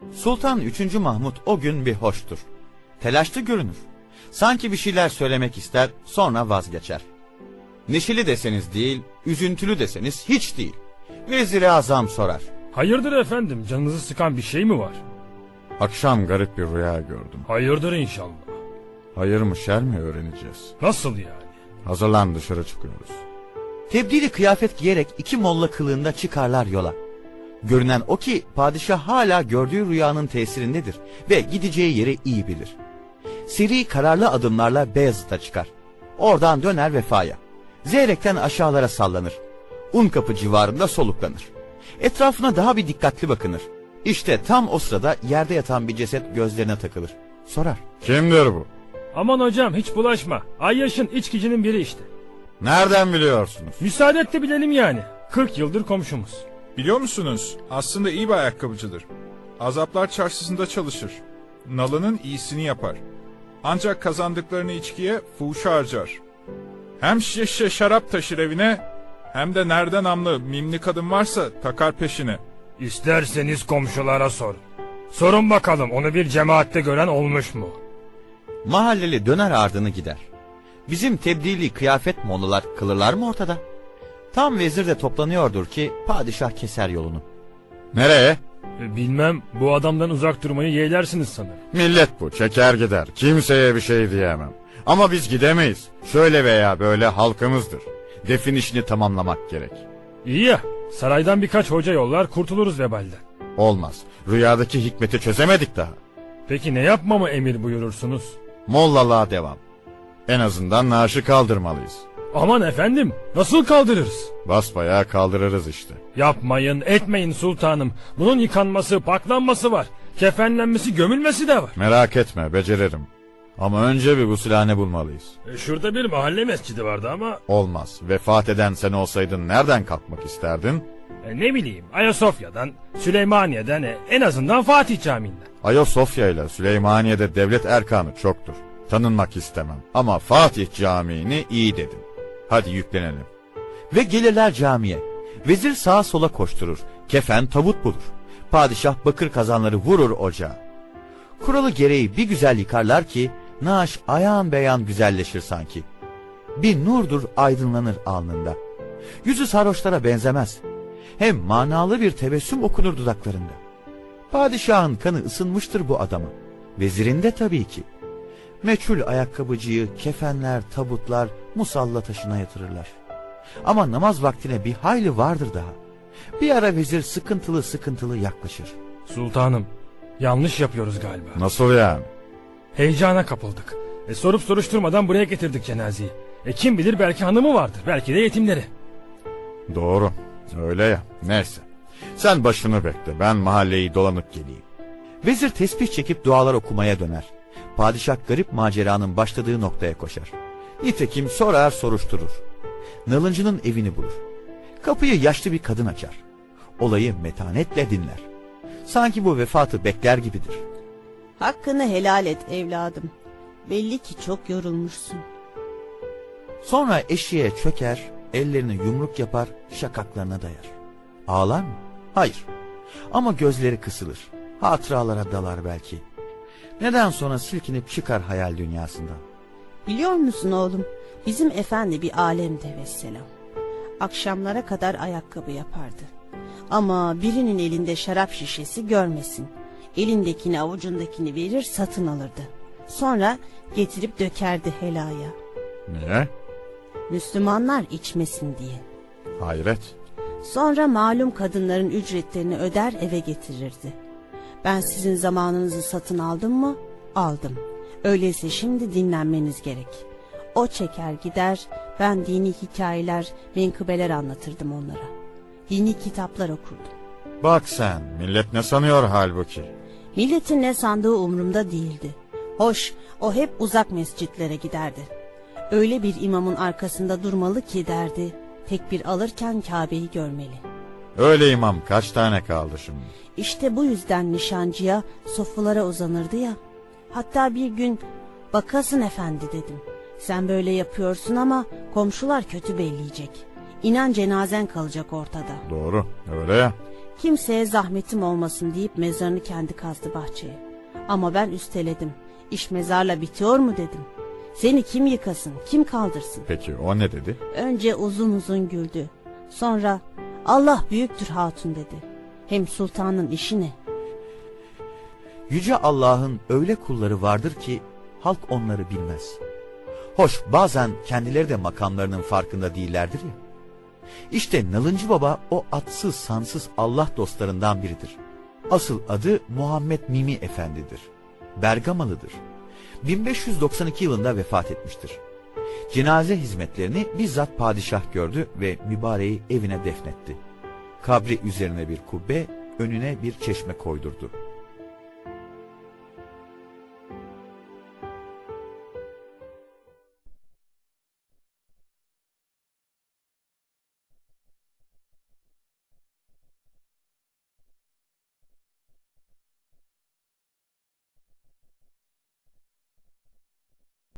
Sultan 3. Mahmud o gün bir hoştur. Telaşlı görünür. Sanki bir şeyler söylemek ister, sonra vazgeçer. Neşeli deseniz değil, üzüntülü deseniz hiç değil. Vezir-i Azam sorar. Hayırdır efendim, canınızı sıkan bir şey mi var? Akşam garip bir rüya gördüm. Hayırdır inşallah. Hayır mı şer mi öğreneceğiz. Nasıl yani? Hazırlan, dışarı çıkıyoruz. Tebdili kıyafet giyerek 2 molla kılığında çıkarlar yola. Görünen o ki padişah hala gördüğü rüyanın tesirindedir ve gideceği yeri iyi bilir. Seri kararlı adımlarla Beyazıt'a çıkar. Oradan döner Vefa'ya. Zeyrek'ten aşağılara sallanır. Unkapı civarında soluklanır. Etrafına daha bir dikkatli bakınır. İşte tam o sırada yerde yatan bir ceset gözlerine takılır. Sorar. Kimdir bu? Aman hocam hiç bulaşma. Ayyaş'ın içkicinin biri işte. Nereden biliyorsunuz? Müsaade et de bilelim yani. 40 yıldır komşumuz. Biliyor musunuz? Aslında iyi bir ayakkabıcıdır. Azaplar çarşısında çalışır. Nalının iyisini yapar. Ancak kazandıklarını içkiye fuhuşa harcar. Hem şişe şarap taşır evine, hem de nerede namlı mimli kadın varsa takar peşine. İsterseniz komşulara sorun. Sorun bakalım, onu bir cemaatte gören olmuş mu? Mahalleli döner ardını gider. Bizim tebdili kıyafet mollalar kılırlar mı ortada? Tam vezir de toplanıyordur ki padişah keser yolunu. Nereye? Bilmem, bu adamdan uzak durmayı yeğlersiniz sanırım. Millet bu, çeker gider. Kimseye bir şey diyemem. Ama biz gidemeyiz. Şöyle veya böyle halkımızdır. Defin işini tamamlamak gerek. İyi ya, saraydan birkaç hoca yollar, kurtuluruz vebalden. Olmaz. Rüyadaki hikmeti çözemedik daha. Peki ne yapmamı emir buyurursunuz? Mollalığa devam. En azından naaşı kaldırmalıyız. Aman efendim, nasıl kaldırırız? Basbayağı kaldırırız işte. Yapmayın, etmeyin sultanım. Bunun yıkanması, paklanması var. Kefenlenmesi, gömülmesi de var. Merak etme, beceririm. Ama önce bir gusülhane bulmalıyız. Şurada bir mahalle mescidi vardı ama... Olmaz. Vefat eden sen olsaydın nereden kalkmak isterdin? Ne bileyim, Ayasofya'dan, Süleymaniye'den, en azından Fatih Camii'nden. Ayasofya ile Süleymaniye'de devlet erkanı çoktur. Tanınmak istemem. Ama Fatih Camii'ni iyi dedim. Hadi yüklenelim. Ve gelirler camiye. Vezir sağa sola koşturur. Kefen tabut bulur. Padişah bakır kazanları vurur ocağa. Kuralı gereği bir güzel yıkarlar ki naaş ayan beyan güzelleşir sanki. Bir nurdur aydınlanır alnında. Yüzü sarhoşlara benzemez. Hem manalı bir tebessüm okunur dudaklarında. Padişahın kanı ısınmıştır bu adamı. Vezirin de tabii ki. Meçhul ayakkabıcıyı kefenler, tabutlar musalla taşına yatırırlar. Ama namaz vaktine bir hayli vardır daha. Bir ara vezir sıkıntılı yaklaşır. Sultanım, yanlış yapıyoruz galiba. Nasıl yani? Heyecana kapıldık. Sorup soruşturmadan buraya getirdik cenazeyi. Kim bilir belki hanımı vardır, belki de yetimleri. Doğru, öyle ya. Neyse. Sen başını bekle, ben mahalleyi dolanıp geleyim. Vezir tesbih çekip dualar okumaya döner. Padişah garip maceranın başladığı noktaya koşar. Nitekim sorar soruşturur. Nalıncının evini bulur. Kapıyı yaşlı bir kadın açar. Olayı metanetle dinler. Sanki bu vefatı bekler gibidir. Hakkını helal et evladım. Belli ki çok yorulmuşsun. Sonra eşiğe çöker, ellerini yumruk yapar, şakaklarına dayar. Ağlar mı? Hayır. Ama gözleri kısılır. Hatıralara dalar belki. Neden sonra silkinip çıkar hayal dünyasından. Biliyor musun oğlum? Bizim efendi bir alemde vesselam. Akşamlara kadar ayakkabı yapardı. Ama birinin elinde şarap şişesi görmesin. Elindekini avucundakini verir satın alırdı. Sonra getirip dökerdi helaya. Niye? Müslümanlar içmesin diye. Hayret. Sonra malum kadınların ücretlerini öder eve getirirdi. Ben sizin zamanınızı satın aldım mı? Aldım. Öyleyse şimdi dinlenmeniz gerek. O çeker gider, ben dini hikayeler, menkıbeler anlatırdım onlara. Dini kitaplar okurdum. Bak sen, millet ne sanıyor halbuki? Milletin ne sandığı umurumda değildi. Hoş, o hep uzak mescitlere giderdi. Öyle bir imamın arkasında durmalı ki derdi, tekbir alırken Kabe'yi görmeli. Öyle imam kaç tane kaldı şimdi? İşte bu yüzden nişancıya, sofralara uzanırdı ya. Hatta bir gün, bakasın efendi dedim. Sen böyle yapıyorsun ama komşular kötü belleyecek. İnan cenazen kalacak ortada. Doğru, öyle ya. Kimseye zahmetim olmasın deyip mezarını kendi kazdı bahçeye. Ama ben üsteledim. İş mezarla bitiyor mu dedim. Seni kim yıkasın, kim kaldırsın? Peki o ne dedi? Önce uzun uzun güldü. Sonra Allah büyüktür hatun dedi. Hem sultanın işi ne? Yüce Allah'ın öyle kulları vardır ki halk onları bilmez. Hoş bazen kendileri de makamlarının farkında değillerdir ya. İşte Nalıncı Baba o atsız sansız Allah dostlarından biridir. Asıl adı Muhammed Mimi Efendi'dir. Bergamalıdır. 1592 yılında vefat etmiştir. Cenaze hizmetlerini bizzat padişah gördü ve mübareği evine defnetti. Kabri üzerine bir kubbe, önüne bir çeşme koydurdu.